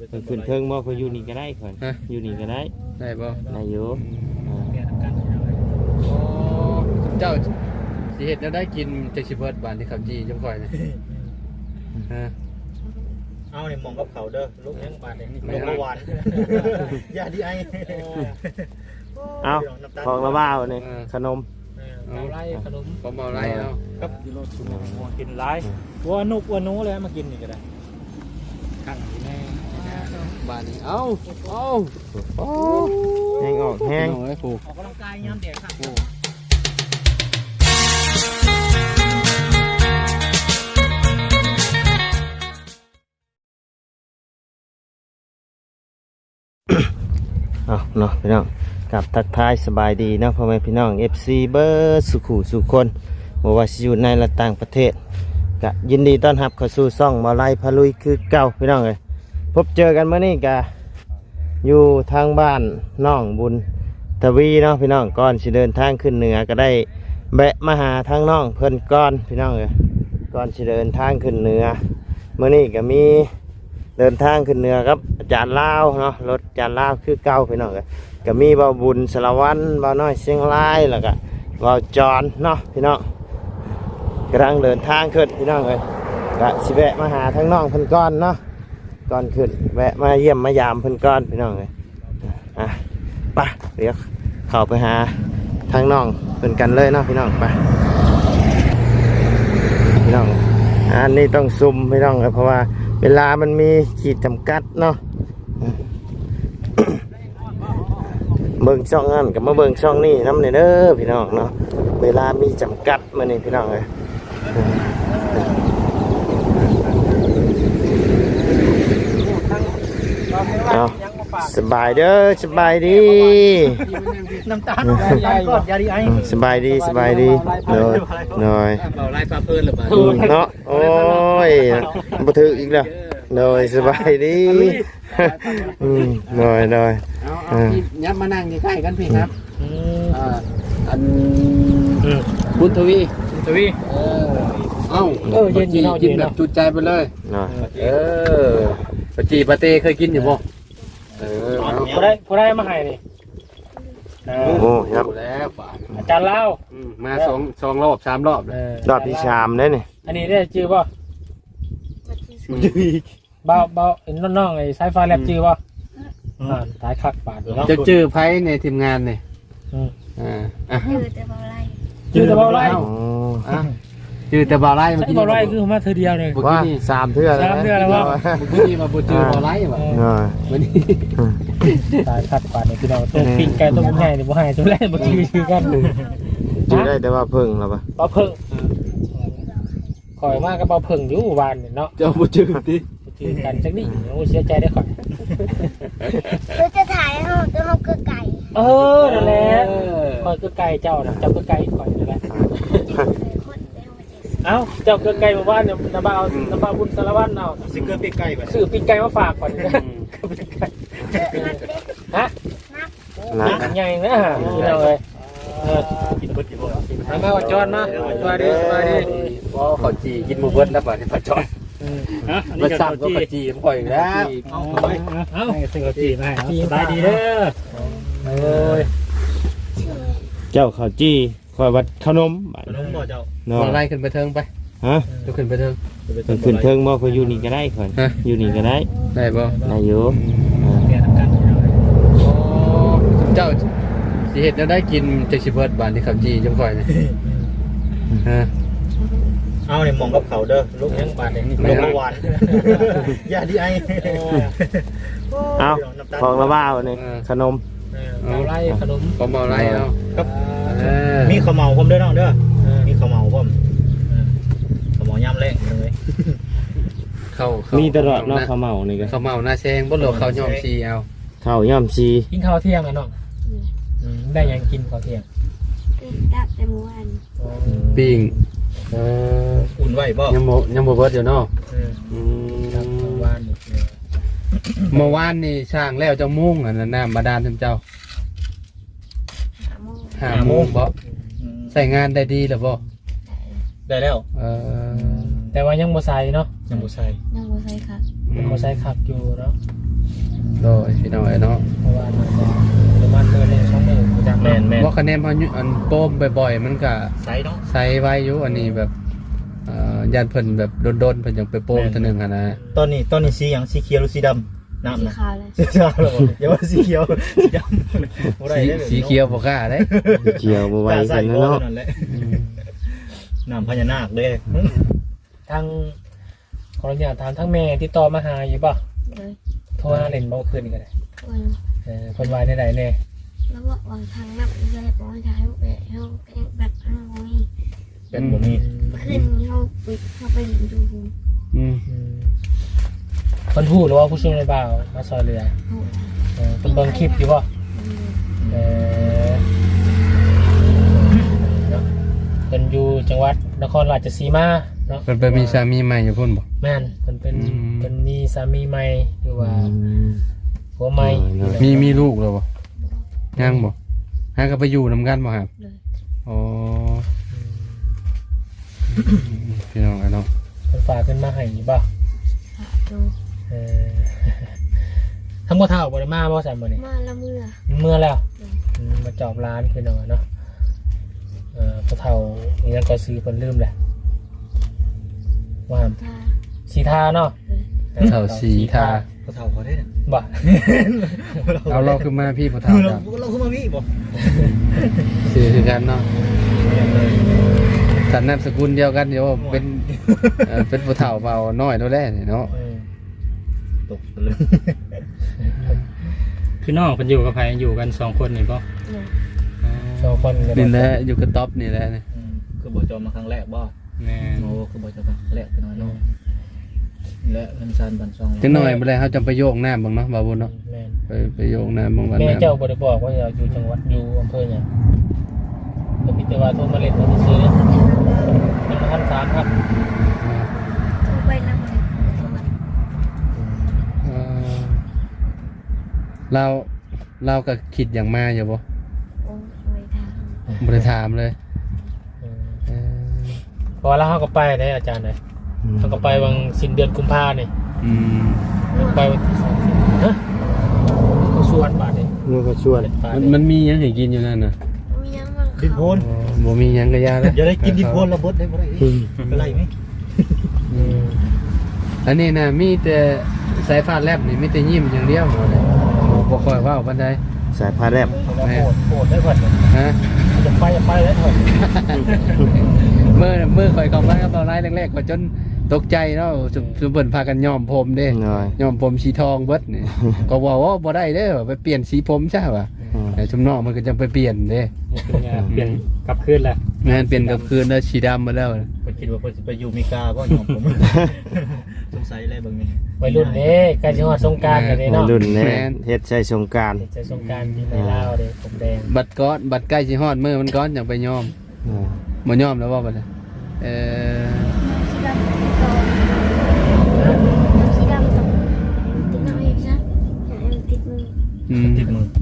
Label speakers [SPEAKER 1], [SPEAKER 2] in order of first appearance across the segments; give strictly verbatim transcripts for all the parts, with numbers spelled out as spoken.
[SPEAKER 1] ขึ้นเทิงบ่เขาอยู่นี่ก็ได้ข่อยอยู่นี่ก็ได้
[SPEAKER 2] ได้บ่
[SPEAKER 1] ได้อยู่
[SPEAKER 2] อ๋อเจ้าสิเฮ็ดแล้วได้กินจักสิเบิดบาดนี่ข้าวจีจังค่อยนี่ฮะ
[SPEAKER 3] เอาเนี่ยมองกับเขาเด้อลูกยังบาดเนี่ยลูกเมื่อวานอย่าดีไอ
[SPEAKER 1] เอาของละบ้าวนี่ขนม
[SPEAKER 3] เอาไล่ขนม
[SPEAKER 2] ก็มาไล่เอา
[SPEAKER 3] กับยูโรชูมัวกินไล่วัวนุกวัวนู้เลยมากินนี่ก็ได้ขังแน่
[SPEAKER 2] บาดนี้เอาเอา
[SPEAKER 1] โอ้แห้งออกแห้ง
[SPEAKER 3] ออกกำลังกายยามเด็กครับ
[SPEAKER 1] เอาเนาะพี่น้องกับทักทายสบายดีนะพ่อแม่พี่น้อง เอฟ ซี เบอร์สุขุสุคนบ่ว่าสิอยู่ในและต่างประเทศก็ยินดีต้อนรับเข้าสู่ช่องบ่าวไร่พาลุยคือเก่าพี่น้องเอ้ยพบเจอกันเมื่อนี้ก็อยู่ทางบ้านน้องบุญทวีเนาะพี่น้องก่อนสิเดินทางขึ้นเหนือก็ได้แวะมาหาทางน้องเพิ่นก่อนพี่น้องเอ้ยก่อนสิเดินทางขึ้นเหนือเมื่อนี้ก็มีเดินทางขึ้นเหนือครับอาจารย์ลาวเนาะรถอาจารย์ลาวคือเก่าพี่น้องเอ้ยก็มีบ่าวบุญสารวัตรบ่าวน้อยเชียงรายแล้วก็บ่าวจอนเนาะพี่น้องกำลังเดินทางขึ้นพี่น้องเอ้ยก็สิแวะมาหาทางน้องเพิ่นก่อนเนาะก่อนขึ้นแวะมาเยี่ยมมายามเพิ่นก่อนพี่น้องเอ้ยอ่ะไปเดี๋ยวเข้าไปหาทางน้องเพิ่นกันเลยเนาะพี่น้องไปพี่น้องอันนี้ต้องซุ่มพี่น้องเพราะว่าเวลามันมีขีดจำกัดเนาะเบิ่งช่องนั่นกับมาเบิ่งช่องนี่น้ำเนี่ยเด้อพี่น้องเนาะเวลามีจำกัดมานี่พี่น้องเลยเอาสบายเด้อสบายดี
[SPEAKER 3] น้ำตาลยายก็ยาดีไอ
[SPEAKER 1] สบายดีสบายดีหน่อยหน่อย
[SPEAKER 2] เบาไล่ปลาเพิ่นหรือเปล่า
[SPEAKER 1] เนาะโอ้ยบ่ถืออีกแล้วหน่อยสบายดีอืมหน่อยหน่อย
[SPEAKER 2] เอาเอาพี่ยับมานั่งใกล้ๆกันพี่ครับอ่าอันบุญทวี
[SPEAKER 3] บุญทวี
[SPEAKER 2] เออเอ้าเออเย็นๆกินแบบจุใจไปเลยเออปจีปะเต้เคยกินอยู่บ่เออ
[SPEAKER 3] พอได้พอได้มาให้นี่
[SPEAKER 1] โอ้โหครับ
[SPEAKER 2] แล้วป่า
[SPEAKER 3] อาจารย์เล่า
[SPEAKER 2] มาสองสองรอบสามรอบเลย
[SPEAKER 1] รอบที่สามได้นี่
[SPEAKER 3] อันนี้ได้จื้อป่ะเบาเบาเห็นน้องๆไอ้สายฟ้าแลบจื้อป่ะอ่าสายคักปาดอยู่เนาะ
[SPEAKER 2] จะจื้อไพ่ในทีมงานเนี่ย
[SPEAKER 4] อ่าอ่ะจื้อแต่เบาไล่
[SPEAKER 3] จื้อแต่เบาไล่
[SPEAKER 2] อ่ะจื้อแต่เบาไล่เมื่อกี้
[SPEAKER 3] เบาไล่คือมาเธอเดียวเลย
[SPEAKER 1] ว่าสามเทื่อ
[SPEAKER 3] สามเทื่อแล้วว่า
[SPEAKER 2] เมื่อกี้มาบูจื้อเบาไล่ว่ะวันนี้
[SPEAKER 3] สายคักปาดเนี่ยพี่น้องตัวปิ้งไก่ตัวมันใหญ่เนี่ยบ่ให้ตัวแรกบ่จื้อชื่อกัน
[SPEAKER 1] จื้อได้แต่ว่าเพิ่งแล้วป่ะ
[SPEAKER 3] เบาเพิ่งข่อยมากกับเบาเพิ่งอยู่บ้านเนี่ยเนาะ
[SPEAKER 2] เจ้าบูจื้อดิ
[SPEAKER 3] จื้อกันจังนี่โอ้เสียใจได้ข่อย
[SPEAKER 4] เราจะถ่ายเขาจะเขาคือไก่
[SPEAKER 3] เออนั่นแหละข่อยคือไก่เจ้านะเจ้าคือไก่ข่อยนั่นแหละเอ้าเจ้าคือไก่มาบ้านเนี่ยน้าบ่าวน้าบ่าวบุญสารวัตรเอาสิเกอร์ปีกไก่ซื้อปีกไก่มาฝากก่อนฮะนักใหญ่นะฮะพี่น้องเลยกินเบิดกินเบิดมาว่าจอนมาสวัสดีสวัสดี
[SPEAKER 2] พอเขาจีกินหมูเบิดแล้วป่ะนี่ปลาจอนมาสั่งก็ปลาจีปล่อยแล้ว
[SPEAKER 3] เอาเอาเอาสิ่งปลาจีมาสบายดีเด้อโอ้ย
[SPEAKER 1] เจ้าข้าวจี้คอยวัดขนม
[SPEAKER 3] ขนมบ่เจ้า
[SPEAKER 2] บ่ไล่ขึ้นไปเทิงไป
[SPEAKER 1] ฮะ
[SPEAKER 2] จะขึ้นไปเทิง
[SPEAKER 1] ขึ้นเทิงบ่เขาอยู่นี่ก็ได้ข่อยอยู่นี่ก็ได้
[SPEAKER 2] ได้บ่
[SPEAKER 1] ได้อยู่
[SPEAKER 2] เจ้าสิเฮ็ดแล้วได้กินจักสิเบิดบาดนี่ข้าวจีจังค่อยนี่ฮะ
[SPEAKER 3] เอาเนี่ยมองกับเขาเด้อลูกยังบาดเนี่ยลูกเมื่อวานอย่าดีไอ
[SPEAKER 1] เอาของละบ้าวนี่ขนม
[SPEAKER 3] เมาไล่ขนม
[SPEAKER 2] ก็เมาไล่เอา
[SPEAKER 3] ครับมีข้าวเมาผมเด้อน้องเด้อมีข้าวเมาผมข้าวเมายำแรงเลย
[SPEAKER 2] เข้า
[SPEAKER 1] มีตลอดเนาะข้าวเมานี่ก็
[SPEAKER 2] ข้าวเมาหน้าแซงบ่เหลือข้าวย่อมซีเอา
[SPEAKER 1] ข้าวย่อมซี
[SPEAKER 3] กินข้าวเที่ยงอ่ะน้องได้ยังกินข้าวเที่ยง
[SPEAKER 4] ปิ้งดับแต่เมื่อวาน
[SPEAKER 2] ปิ้งเออ
[SPEAKER 3] อุ่นไว้บ่
[SPEAKER 2] ยังบ่ยังบ่เบิดอยู่เนาะ
[SPEAKER 3] อืมครับเมื่อวาน
[SPEAKER 2] เมื่อวานนี่ช่างแล้วจะมุ่งอันนั้นน้ำบาดาลท่านเจ้าห้าโมงบ่ใส่งานได้ดีหรือบ่
[SPEAKER 3] ได้แล้ว
[SPEAKER 2] เออ
[SPEAKER 3] แต่ว่ายังบ่ใส่เนาะยังบ่ใส่
[SPEAKER 4] ยังบ่ใส่ค่ะ
[SPEAKER 3] ยังบ่ใส่ขับอยู่เนาะ
[SPEAKER 2] โดยพี่น้องเนาะ
[SPEAKER 3] เพราะว่ามันก็ประมาณเดือนหนึ่งสองหมื่นจาก
[SPEAKER 1] แม่นแม่น
[SPEAKER 2] ว่าคะแนนพออันโป้มบ่อยๆมันก็
[SPEAKER 1] ใส่เนาะ
[SPEAKER 2] ใส่ไว้อยู่อันนี้แบบเอ่อยานเพิ่นแบบโดนๆเพิ่นยังไปโป้มเท่านึงอ่ะนะ
[SPEAKER 1] ตอนนี้ตอนนี้สีหยังสีเขียวหรือสีดำน้ำ
[SPEAKER 4] สี
[SPEAKER 1] นะ
[SPEAKER 4] ขาวเลย
[SPEAKER 1] สีขาวเหรออย่าว่าสีเขียวสีดำบ่ได้
[SPEAKER 2] สี
[SPEAKER 1] ด้อ
[SPEAKER 2] สีเขียวบ่กล้าเด้
[SPEAKER 1] เขียวบ่ไหวกันเนาะน้ำพญานาคเด้
[SPEAKER 3] ทางขออนุญาตถามทั้งแม่ที่ต่อมาหาอยู่ป่ะ
[SPEAKER 4] เลย
[SPEAKER 3] โทรหาเล่นบ่คืนนี่ก็ได้
[SPEAKER 4] คน
[SPEAKER 3] เออคนวายได้ไหนแน่
[SPEAKER 4] แล้วบอกว่าทางนับเลยบอกว่าทางแบบเขาแบบเขาโอ้ย
[SPEAKER 1] เป็นบ่มี
[SPEAKER 4] ขึ้นเขาไปเขาไปดู
[SPEAKER 2] อืม
[SPEAKER 3] อืมคนหู้หรือว่าผู้ช่วยในบ่าวมาซอยเรือ
[SPEAKER 4] โอ้
[SPEAKER 3] เออเป็นเบิ่งคลิปอยู่ป่ะเออเนาะเป็นอยู่จังหวัดนครราชสีมาเนาะ
[SPEAKER 2] เพิ่นไปมีสามีใหม่อยู่พุ่นบ่
[SPEAKER 3] แม่นเป็นเป็น
[SPEAKER 2] อืม
[SPEAKER 3] เป็นมีสามีใหม่หรือว่าผัวใหม่
[SPEAKER 2] มีมีลูกแล้วบ่ยังบ่หาก็ไปอยู่นํกันบ่ครับ
[SPEAKER 4] เลย
[SPEAKER 2] อ๋อพี่น้องเนาะ
[SPEAKER 3] เป็นฝากขึ้นมาให้ป่ะ
[SPEAKER 4] ขาดู
[SPEAKER 3] เออ ทั้งหมดเท่าบริมาบ่ใส่บ่นี่
[SPEAKER 4] มาละเมื่อ
[SPEAKER 3] เมื่อแล้วอืมมาจอบร้านพี่น้องเนาะเออพอเท่านี่ยังก็ซื้อเพิ่นลืมแหละว่า
[SPEAKER 4] ทา
[SPEAKER 3] สีทาเนาะ
[SPEAKER 2] เฒ่าสีทา
[SPEAKER 1] พอเฒ่าพอได้เนี่ย
[SPEAKER 3] บ่
[SPEAKER 2] เอาเราขึ้นมาพี่ผู้เฒ่า
[SPEAKER 1] เรา
[SPEAKER 2] ครับ
[SPEAKER 1] เราขึ้นมาพี่บ่
[SPEAKER 2] ชื่อคือกันเนาะสันนามสกุลเดียวกันเดี๋ยวเป็นเอ่อเป็นผู้เฒ่าเบาน้อยแล้วแหละนี่เนาะ
[SPEAKER 3] เออ
[SPEAKER 1] ตกเลย
[SPEAKER 5] คือน้องเพิ่นอยู่กับไผอยู่กันสองคนนี่บ่
[SPEAKER 4] เลย
[SPEAKER 3] สองคนกัน
[SPEAKER 2] นี่แหละอยู่กับท็อปนี่แหละนี่
[SPEAKER 1] คือบ่จอมมาครั้งแรกบ่
[SPEAKER 5] แม่น
[SPEAKER 1] โอ้คือบ่จอมครั้งแรกเป็นน้อยเนาะและเงินซานบันซอง
[SPEAKER 2] จังหน่อยบ่ได้เฮาจะไปโยกน้ำบ้างเนาะบ่าวบุญเนาะ
[SPEAKER 3] แม่น
[SPEAKER 2] ไปไปโยกน้ำบ้างวัน
[SPEAKER 3] แม่
[SPEAKER 2] น้ำ
[SPEAKER 3] เจ้าบ่ได้บอกว่าจะอยู่จังหวัดอยู่อำเภอหยังก็มีแต่ว่าโทรมาเล่นมาซื้อยังบ่ทันถามครับ
[SPEAKER 4] โทรไปละเมื่อโทรมา
[SPEAKER 2] เอ่อเราเราก็คิดอย่างมาอยู่บ่
[SPEAKER 4] โอ้ยทาง
[SPEAKER 2] บ่ได้ถามเลย
[SPEAKER 3] เออ
[SPEAKER 2] เอ่อ
[SPEAKER 3] พอแล้วเขาก็ไปได้อาจารย์เลยเขาก็ไปวันสิ้นเดือนกุมภาเนี่ย
[SPEAKER 2] อืม
[SPEAKER 3] ไปวันที่สามสิบฮะเขาชวนบาทเนี่ย
[SPEAKER 1] มือก็ชวน
[SPEAKER 2] มันมันมีหยังให้กินอยู่นั่นน่ะ
[SPEAKER 4] มียังบ้าง
[SPEAKER 1] ดินโพน
[SPEAKER 2] อ๋อบ่มีหยังก็ยาแล้ว
[SPEAKER 1] อย่าได้กินดินโพนระเบิดได้บ่ได้เป็นไรไหม
[SPEAKER 2] อันนี้น่ะมีแต่สายฟ้าแลบนี่มีแต่ยิ้มอย่างเดียวบ่ได้บ่ค่อยเว้าปานใด
[SPEAKER 1] สายพาแรบ
[SPEAKER 3] เขาก็โหดโหดได้เพิ่นเนี่ย
[SPEAKER 2] ฮะ
[SPEAKER 3] จะไปจะไปแล้วเพิ่น
[SPEAKER 2] เมื่อเมื่อข่อยเข้ามากับเราไล่แรกๆก็จนตกใจเนาะสุสุเบิ่นพากันย้อมผมเด้
[SPEAKER 1] หน่อย
[SPEAKER 2] ย้อมผมสีทองเบิดนี่ ก็ว่าว่าบ่ได้เด้อไปเปลี่ยนสีผมใช่ป่ะแต่ชุมนอกมันก็จะไปเปลี่ยนเด้
[SPEAKER 5] นี่คือไงเปลี่ยนกลับคืนแล้ว
[SPEAKER 2] แม่นเปลี่ยนกับคืนแล้วสีดำมาแล้ว
[SPEAKER 1] เพิ่นคิดว่าเพิ่นสิไปอยู่อเมริกาบ่ยอมผมสงสัยอะไรเบิ่งนี่
[SPEAKER 3] วัยรุ่นเด้ใกล้จะฮอดสงกรานต์กันเด้เนาะ
[SPEAKER 1] รุ่นแน่เฮ็ดใช้สงกรานต์
[SPEAKER 3] จะสงกรานต์ที่ในลาวเด้ผมแดง
[SPEAKER 2] บัตรก้อนบัตรใกล้สิฮอดมื้อมันก้อนอย่างไปย้อมบ่ย้อมแล้วว่าบัดนี้เอ่อ
[SPEAKER 4] สีดำต่อสีดำต่อติดหน่อยนะอย่าให้มันติดมือ
[SPEAKER 2] อืม
[SPEAKER 1] ติดมือ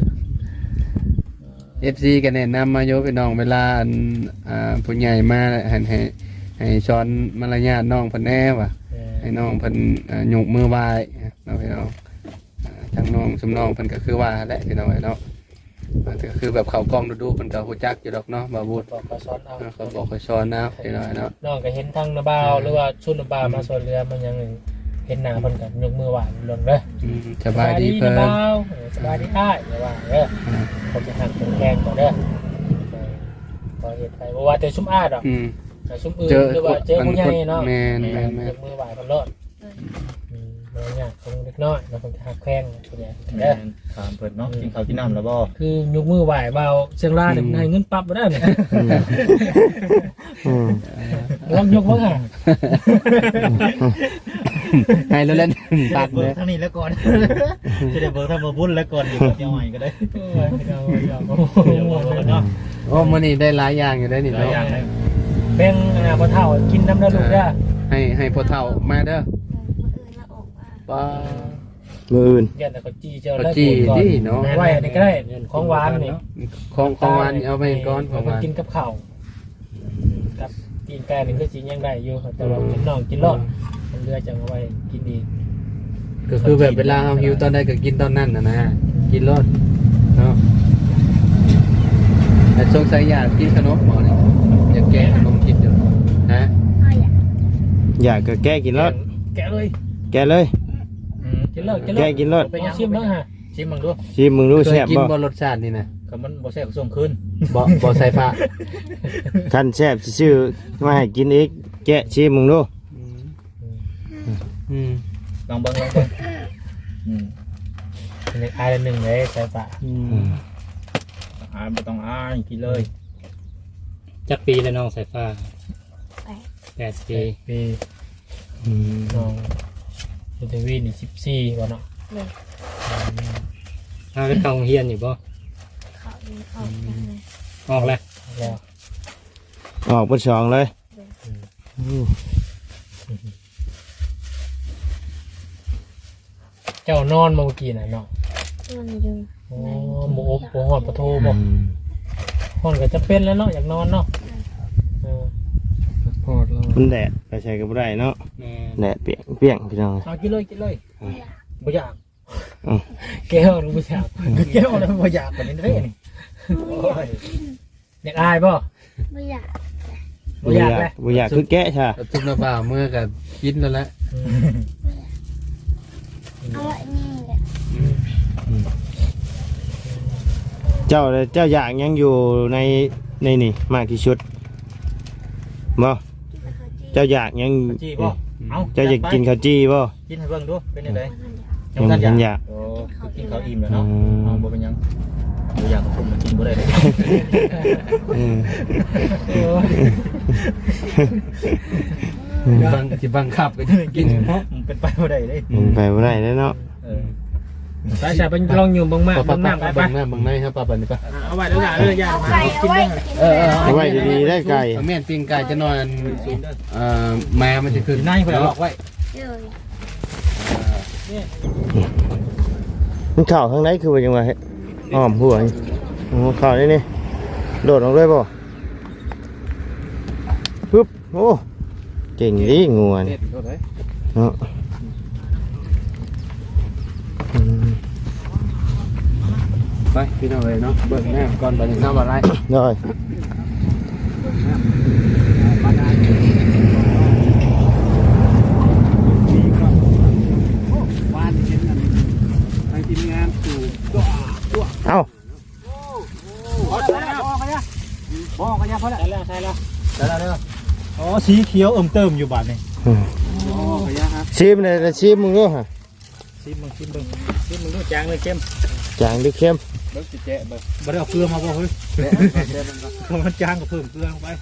[SPEAKER 2] เอฟ ซี ก็แนะนำมาโยพี่น้องเวลาอันอ่าผู้ใหญ่มาให้ให้ให้สอนมารยาทน้องเพิ่นแน่ว่ะ
[SPEAKER 3] เออ
[SPEAKER 2] ให้น้องเพิ่นอ่ายกมือไหว้เนาะพี่น้องอ่าทางน้องสำน้องเพิ่นก็คือว่าแหละพี่น้องเนาะอ่าแต่ก็คือแบบเข้ากล้องดูๆเพิ่นก็ฮู้จักอยู่ดอกเนาะบ่าวบุญ
[SPEAKER 3] บอกเขาสอนเอา
[SPEAKER 2] อ่าเขาบอกเขาสอนนะพี่น้องเนาะ
[SPEAKER 3] น้องก็เห็นทางนาบ่าวหรือว่าชุดนาบ่าวมาสวนเรือมันยังเห็นหน้าเพิ่นก็ยกมือไหว้ลงเด้อ
[SPEAKER 2] อืมสบายดีเพิ่น
[SPEAKER 3] นาบ่าวเออสบายดีอ้ายอย่าว่าเด้อ
[SPEAKER 2] อ่า
[SPEAKER 3] ผมจะหักเป็นแกงก่อนเด้อพอเห็นไปบอกว่าแต่ชุ่มอ้าดอก
[SPEAKER 2] อืม
[SPEAKER 3] แต่ชุ่มอื่น
[SPEAKER 2] เจอ
[SPEAKER 3] หรือว่าเจอผู้ใหญ่เนาะ
[SPEAKER 2] แม่นแม่นแม่น
[SPEAKER 3] ยกมือไหวกันรอดอืมเมื่อเนี่ยคงเล็กน้อยเราคงจะหักแข้งตัวเนี้ยเด้อ
[SPEAKER 1] ถามเพิ่นเนาะกินข้าวกินน้ำแล้วบ่
[SPEAKER 3] คือยกมือไหวเบาเชียงรายเนี่ยให้เงินปั๊บมาได้เนี่ย
[SPEAKER 1] อืม
[SPEAKER 3] ลองยกบ้างอ่ะ
[SPEAKER 2] ให้แล้วเล่นตัด
[SPEAKER 1] เบิ
[SPEAKER 2] เล
[SPEAKER 1] ก
[SPEAKER 2] ย
[SPEAKER 1] ทางนี้แล้วก่อนจะได้เบิกทางมาบุญแล้วก่อนอยู่กับเจ้าใหม่ก็ได้
[SPEAKER 3] โอ้ยเอาเอาเอา
[SPEAKER 1] เดี๋ยวเบิกเนาะ
[SPEAKER 2] โอ้มื้อนี้ได้หลายอย่างอยู่ได้นี่
[SPEAKER 1] หลาย
[SPEAKER 2] เนาะ
[SPEAKER 1] อย่างเลย
[SPEAKER 3] แบ่งอ่าพ่อเฒ่ากินน้ำเด้อลูกเด้อ
[SPEAKER 2] ให้ให้พ่อเฒ่ามาเด้อ
[SPEAKER 4] มืออื่นละออกมา
[SPEAKER 2] ป้า
[SPEAKER 1] มืออื่น
[SPEAKER 3] เดี๋ยวแต่เขาจี้เจ้า
[SPEAKER 2] เขาจี้ดิเนาะ
[SPEAKER 3] ไว้อันนี้ก็ได้ของหวานนี่
[SPEAKER 2] ของของหวานนี่เอาไปก่อนของหวาน
[SPEAKER 3] กินกับข้าวกับกินแกงนี่ก็จริงยังได้อยู่แต่ว่ากินน่องกินรอดมันเลือจังเอาไว้กินดี
[SPEAKER 2] ก็คือแบบเวลาเฮาหิวตอนใดก็กินตอนนั้นน่ะนะกินรสเนาะแต่สงสัยอยากกินขนมหมอนี่อยากแกะขนมกินอยู่ฮะ
[SPEAKER 4] พ่ออยาก
[SPEAKER 1] อยากก็แก้กินรส
[SPEAKER 3] แกะเลย
[SPEAKER 1] แก้เลย
[SPEAKER 3] อืมกินเลยกินเลย
[SPEAKER 1] แกะกินรส
[SPEAKER 3] เป็นยังชิมบ้างฮะชิมบ้างดู
[SPEAKER 1] ชิมมึงดู
[SPEAKER 2] เค
[SPEAKER 1] แซ่
[SPEAKER 2] ย
[SPEAKER 1] บ
[SPEAKER 2] กิน
[SPEAKER 1] บ่
[SPEAKER 2] บ่รสชาตินี่นะ
[SPEAKER 3] ก็มันบ่แซ่บก็ส่งคืน
[SPEAKER 2] บ่บ่ใส่ฟ้า
[SPEAKER 1] คันแซ่บสิชื่อมาให้กินอีกแกะชิมมึงดู
[SPEAKER 2] อืม
[SPEAKER 3] ลองเบิ่งลองเบิ่งอืมอันนี้อายละหนึ่งเลยใส่ปะ
[SPEAKER 2] อื
[SPEAKER 1] อื
[SPEAKER 2] ม
[SPEAKER 1] ม
[SPEAKER 3] อายไม่ต้องอายกินเลย
[SPEAKER 5] จักปีแล้วน้องสายฟ้า
[SPEAKER 4] ไป
[SPEAKER 5] แปดปี
[SPEAKER 3] ปี
[SPEAKER 1] อืม
[SPEAKER 3] น้องยูเทวีนี่สิบสี่วันเนาะ
[SPEAKER 4] เลย
[SPEAKER 5] ถ้าไปเข้าโรงเรียนอยู่บ่
[SPEAKER 4] เขาดีออกจากเลย
[SPEAKER 5] ออกแล้ว
[SPEAKER 3] แล้ว
[SPEAKER 1] ออกเป็นสองเลยอืม
[SPEAKER 3] เจ้านอนมาเมื่อกี้น่ะเนาะ
[SPEAKER 4] มันอยู่
[SPEAKER 3] โอ้หมูอบหมูหอดปลาทูบ่
[SPEAKER 1] อืม
[SPEAKER 3] หอดก็จะเป็นแล้วเนาะอยากนอนเนาะเออ
[SPEAKER 2] พอดแล้ว
[SPEAKER 1] มันแดดไปใช้ก็บ่ได้เนาะ
[SPEAKER 5] แม่
[SPEAKER 1] แดดเปียกเปียกพี่น้อง
[SPEAKER 3] เอากินเลยกินเลยบ่อยาก
[SPEAKER 1] อืม
[SPEAKER 3] แก้วหรือบ่อยากแก้วแล้วบ่อยากกว่านี้เด้นี่โอ้ยอยากอายบ่
[SPEAKER 4] ไม่อยาก
[SPEAKER 3] บ่อยากเลย
[SPEAKER 1] บ่อยากคือแกะใช่
[SPEAKER 2] จุ่มน้ำเปล่าเมื่อก็กินแล้วแหละ
[SPEAKER 4] เอาไว้นี่แหละ
[SPEAKER 1] เจ้าเจ้าอยากยังอยู่ในในนี่มากที่สุดบ่
[SPEAKER 4] กินข้าวจี
[SPEAKER 1] เจ้าอยากยัง
[SPEAKER 3] จีบ่เอา
[SPEAKER 1] เจ้าอยากกินข้าวจี้บ่
[SPEAKER 3] กินให้เบิ่งดูเป็นจังได๋
[SPEAKER 1] ยังบ่ทันอยาก
[SPEAKER 3] โอ้คือกินข้าวอิ่มแล้วเนาะ
[SPEAKER 1] อืม
[SPEAKER 3] เอาบ่เป็นหยังบ่อยากกับผมมากินบ่ได้เลย
[SPEAKER 1] อืม
[SPEAKER 2] บังสิบังคับก็กิน
[SPEAKER 3] มันเป็นไปบ่ได้เลย
[SPEAKER 1] มันไปบ่ได้แล้วเนาะ
[SPEAKER 3] เออไปใช่ไปลองอยู่เบิ่งมาก
[SPEAKER 2] ปะ
[SPEAKER 3] เบิ่
[SPEAKER 2] ปะ
[SPEAKER 3] ง
[SPEAKER 2] ปะ
[SPEAKER 3] น้ำไปไป
[SPEAKER 2] บังหน้าบังในครับปะปะนี่ปะ
[SPEAKER 3] เอาไว้แล้วล่ะเด้อย่า
[SPEAKER 4] เอา
[SPEAKER 3] มา
[SPEAKER 4] ไก่
[SPEAKER 3] กิ
[SPEAKER 4] เอา
[SPEAKER 3] น
[SPEAKER 4] ไว้
[SPEAKER 3] เด้อ
[SPEAKER 4] กิน
[SPEAKER 2] เออเออ
[SPEAKER 1] เอาไว้ดีๆได้ไก่
[SPEAKER 2] เอาแม่นปิ้งไก่จะนอนเอ่อแม่มันจะขึ้น
[SPEAKER 3] นายเพิ่นเอาล็อกไว้
[SPEAKER 4] เลย
[SPEAKER 1] มันเข้าข้างในคือว่าจังว่าเฮ็ดอ้อมหัวนี่โอ้เข้านี่นี่โดดออกเลยบ่ปึ๊บโอ้เก่งดีงัวนี่
[SPEAKER 2] เด็ดก็ได้
[SPEAKER 1] เนาะอืม
[SPEAKER 2] ไปพี่น้องเลยเนาะเบิ่งแม่ก่อนบัดนี้น้ำอะไร
[SPEAKER 1] ได้
[SPEAKER 2] วานเห็นกันไปทีมงานสู่
[SPEAKER 1] เอ้า
[SPEAKER 3] พอแล้วพอแล้วพอกันยังพอแล้วใช่แล้วใช่แล้วใช่แล้วเด้ออ๋อสีเขียวเอิ่มเติมอยู่บาดนี่
[SPEAKER 1] อืม
[SPEAKER 2] โอ้ขยะครับ
[SPEAKER 1] ชิมเลยนะชิมมึงดูฮะ
[SPEAKER 3] ชิมมึงชิมมึงชิมมึงดูจางเลยเข้ม
[SPEAKER 1] จางหรือเค็ม
[SPEAKER 2] เบิ่งสิแจ๊ะเบิ่ง
[SPEAKER 3] บ่ได้เอาเกลือมาบ่เฮ้ย
[SPEAKER 2] แจ๊ะแจ๊ะเบิ่งก่อน
[SPEAKER 3] เพราะมันจางก็เพิ่มเกลือลงไป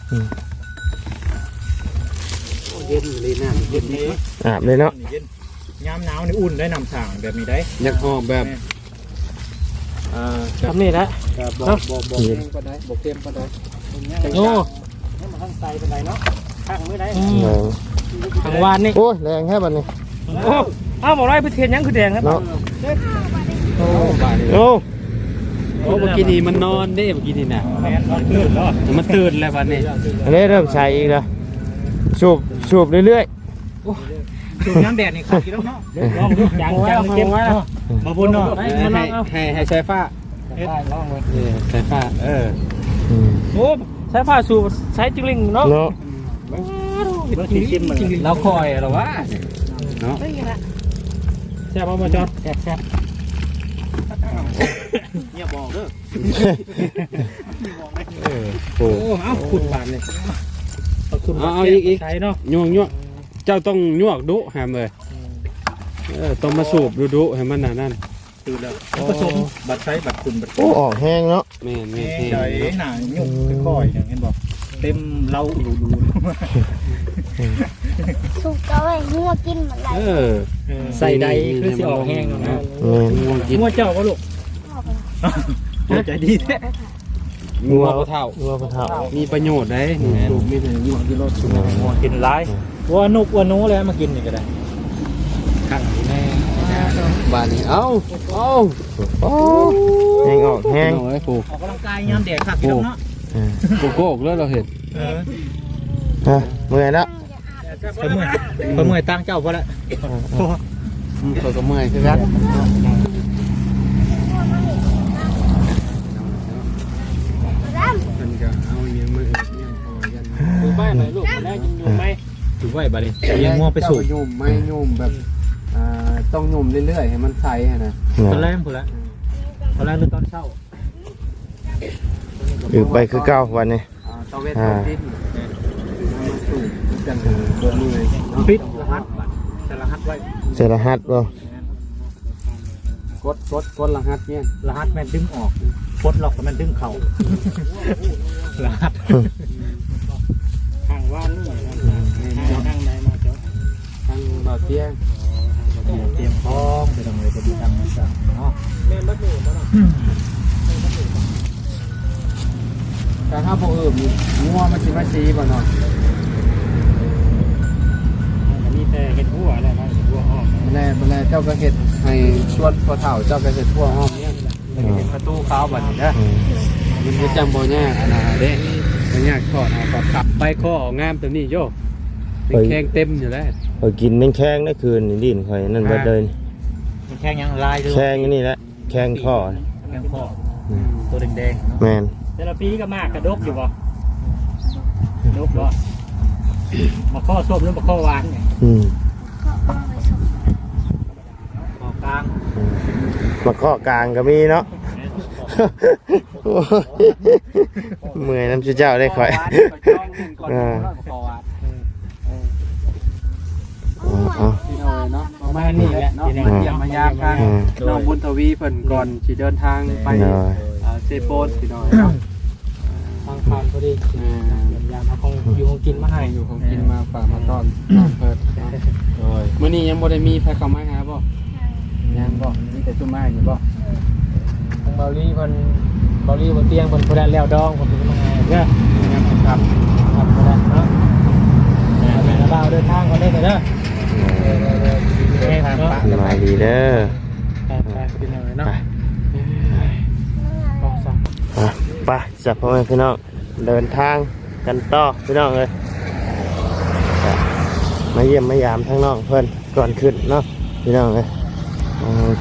[SPEAKER 2] โอ้เย็นเลยนะเย็นนี้
[SPEAKER 1] อาบเลยเนาะ
[SPEAKER 3] เย็นยามหนาวนี่อุ่นได้น้ำสางแบบนี้ได้
[SPEAKER 2] อยากออกแบบอ่า
[SPEAKER 3] ทำนี่ละ
[SPEAKER 2] บอกบอกบอกเค็มก็ได้บอกเค็มก็ได้
[SPEAKER 3] โอ้
[SPEAKER 2] ให้มันข้างใส่เป็นไรเนาะข้างมือได้
[SPEAKER 1] เออ
[SPEAKER 3] ทางวานนี่
[SPEAKER 1] โอ้ยแรงแค่บัดนี้
[SPEAKER 3] โอ้อ้าวบอกไรไปเทียนยังคือแดงครับ
[SPEAKER 1] เนาะ
[SPEAKER 2] โอ้บาด
[SPEAKER 1] โอ้
[SPEAKER 2] โอ้เมื่อกี้นี่มันนอนเด้เมื่อกี้นี่น่ะ
[SPEAKER 3] แมนนอนตื่นแล้ว
[SPEAKER 2] มันตื่นแล้วบัดนี้
[SPEAKER 1] อันนี้เริ่มใช้อีกแล้วสูบสูบเรื่อย
[SPEAKER 3] จุ่มน้ำแดดนี่ขาดกี่แล้วเนาะลองดูจางจางเข้มเนาะมาบุญเนาะ
[SPEAKER 2] ให้ให้ให้ให้ใช้ฟ้า
[SPEAKER 3] ลองเลย
[SPEAKER 2] เออใช้ฟ้าเออ
[SPEAKER 1] ๆอืม
[SPEAKER 3] โอ้ใช้ผ้าสูบใช้จิงลิงเนาะ
[SPEAKER 1] เนาะ
[SPEAKER 2] เราคอยเหรอวะเนาะ
[SPEAKER 3] แซ่บมาจอดแซ่บแซ่บเนี่ยบอกเด้อ
[SPEAKER 2] เออ
[SPEAKER 1] โอ้
[SPEAKER 3] โอ้เอาขุดบานเลยขุดใช้เนาะ
[SPEAKER 2] ยวงยวงเจ้าต้องยวกดุแฮมเลยเออต้องมาสูบดุดุให้มันน่ะนั่น
[SPEAKER 3] ตื่นแล้วผสมบัตรใช้บัตรคุณบัตร
[SPEAKER 1] โอ้ออกแห้งเนาะ
[SPEAKER 2] แม่นแม่น
[SPEAKER 3] ใจหนาหยุ่งค่อยๆอย่างเห็นบอกเต็มเล้าดูดู
[SPEAKER 4] สุกเอาไว้งัวกินเหมือนไร
[SPEAKER 2] เออ
[SPEAKER 5] ใส่ใดคือสิออกแห้งเนาะ
[SPEAKER 1] แม่น
[SPEAKER 2] ง่วงกิน
[SPEAKER 3] งัวเจ้าก็ลูก
[SPEAKER 4] พ่อไป
[SPEAKER 3] ใจดีแท้
[SPEAKER 2] งัวเท่า
[SPEAKER 1] งัวปลาเท่า
[SPEAKER 2] มีประโยชน์ได้สูบมีแต่งัวกินรส
[SPEAKER 3] งัวกินร้ายวัวนุกวัวนู้เลยมากินนี่ก็ได้ขังแม่
[SPEAKER 2] บ้านนี้เอ้าเอ้า
[SPEAKER 1] โอ้แห้งออกแห้ง
[SPEAKER 2] เอาไว้ปลูก
[SPEAKER 3] ออกกำลังกายยามแดดขักกินเนาะ
[SPEAKER 2] โกโก้แล้วเราเห็น
[SPEAKER 3] เออ
[SPEAKER 1] ฮะเมื่อยแล้ว
[SPEAKER 3] ไปเมื่อยไปเมื่อยตั้งเจ้าพอละ
[SPEAKER 2] อืมเขาก็เมื่อยคือกันมันก็เอาอย่างมือเนี่ยพอยัน
[SPEAKER 5] ดูบ้านหน่อยลูกแรกยังอยู่ไหมถือไว้บัดนี้เลี้ยงงัวไปสูบ
[SPEAKER 2] โยมไม่โยมแบบอ่าต้องโยมเรื่อยๆให้มันใสฮะนะ
[SPEAKER 5] ตอนแรกพุ่นละตอนแรกหรือตอนเช้า
[SPEAKER 1] อยู่ไปคือเก่าวันนี้
[SPEAKER 2] อ่าตะเวนตะดินสูบจังโดนมือ
[SPEAKER 5] ปิดรหัสบัดแต่รหัสไว้
[SPEAKER 1] เสรหัสบ่
[SPEAKER 2] กดกดกดรหัสเนี่ย
[SPEAKER 5] รหัสแม่นดึงออกปลดล็อกแต่แม่นดึงเข่ารหัสทางว่านนี่ทางไหนมาเจ้า
[SPEAKER 2] ทางบ่อเตี้ย
[SPEAKER 5] เตรียมพร้อมไปทำเลยจะดีทำมันสั่งเนาะแม่นบัดนี้บ่ล่ะ
[SPEAKER 2] แต่ถ้าพวกอื่นงัวมันสิมาซีบ่เนาะ
[SPEAKER 5] อันนี้แต่เฮ็ดหัวแล้วนะเฮ็ดหัวอ้อม
[SPEAKER 2] แม่แม่เจ้าก็เฮ็ดให้ชวนพอเฒ่าเจ้าก็เฮ็ดทั่วห้องเนี่ยแล้วก็เฮ็ดประตูขาวบัดนี้เด้อ
[SPEAKER 1] อืม
[SPEAKER 2] มันจะจำบ่ยากอันนะเด้บ่ยากทอดเอาก็กลับไปข้องามตัวนี้โยเป็นแข้งเต็มอยู่แล้ว
[SPEAKER 1] ข่อยกินแม่งแข้งได้คืนนี่ดินข่อยนั่นเบิดเลยนี่
[SPEAKER 5] มันแข้งยังลายเลย
[SPEAKER 1] แข้งอันนี่แหละแข้งข้อนี่
[SPEAKER 5] แข้งข้อ
[SPEAKER 1] อืม
[SPEAKER 5] ตัวแดงๆเนาะ
[SPEAKER 1] แม่น
[SPEAKER 5] แต่ละปีก็มากกระดกอยู่บ่ดกบ่มาข้อส้มหรือมาข้อหวานเนี่ย
[SPEAKER 1] อืม
[SPEAKER 4] ก็เอาไปส่ง
[SPEAKER 5] ข้อกลาง
[SPEAKER 1] อืมมาข้อกลางก็มีเนาะ โอ้ยเมื่อยน้ำชื่อเจ้าได้ข่อย อ่า เอา
[SPEAKER 2] พี่น้อยเนาะประมาณนี้แหละเนาะมาเยี่ยมมายามทางน้องบุญทวีเพิ่นก่อนสิเดินทางไป
[SPEAKER 1] หน่อย
[SPEAKER 2] อ่าเซโปนพี่น้อยเนาะ
[SPEAKER 5] ทางผ่านพอดีเยี่ยมยามเอาของอยู่ของกินมาให้
[SPEAKER 2] อยู่ของกินมาฝากมาต้อนเพิ่นโอ้ยมื้อนี้ยังบ่ได้มีใครเข้ามาหาบ่ยังบ่มีแต่ซุมมาอยู่บ่
[SPEAKER 5] ทางเบาลี่เพิ่นเบาลี่บนเตียงเพิ่นบ่ได้แล้วดองเพิ่นเป็นมาให้เด้อ
[SPEAKER 2] ยังบ่ครับ
[SPEAKER 5] ครับบ่ได้เนาะแม่ละบ่าวเดินทางก่อนเด้อเด้อเออๆๆแม่ทางเนาะ
[SPEAKER 1] สบายดีเด้อ
[SPEAKER 5] ไปไปกินหน่อยเนาะ
[SPEAKER 1] ไป
[SPEAKER 5] ต้องสั่ง
[SPEAKER 1] อ่ะไปจับพ่อแม่พี่น้องเดินทางกันต่อพี่น้องเลยอ่ะมาเยี่ยมมายามทั้งน้องเพื่อนก่อนขึ้นเนาะพี่น้องเลยอ่า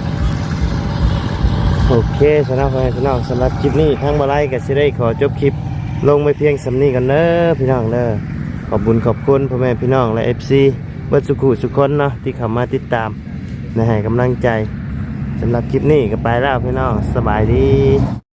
[SPEAKER 1] โอเคสำหรับพ่อแม่พี่น้องสำหรับคลิปนี้ทั้งบาไลกับซิได้ขอจบคลิปลงไปเพียงสำนีกันเด้อพี่น้องเด้อขอบบุญขอบคุณพ่อแม่พี่น้องและเอฟซีเบิร์ดสุขุสุขคนเนาะที่เข้ามาติดตามและให้กำลังใจสำหรับคลิปนี้ก็ไปแล้วพี่น้องสบายดี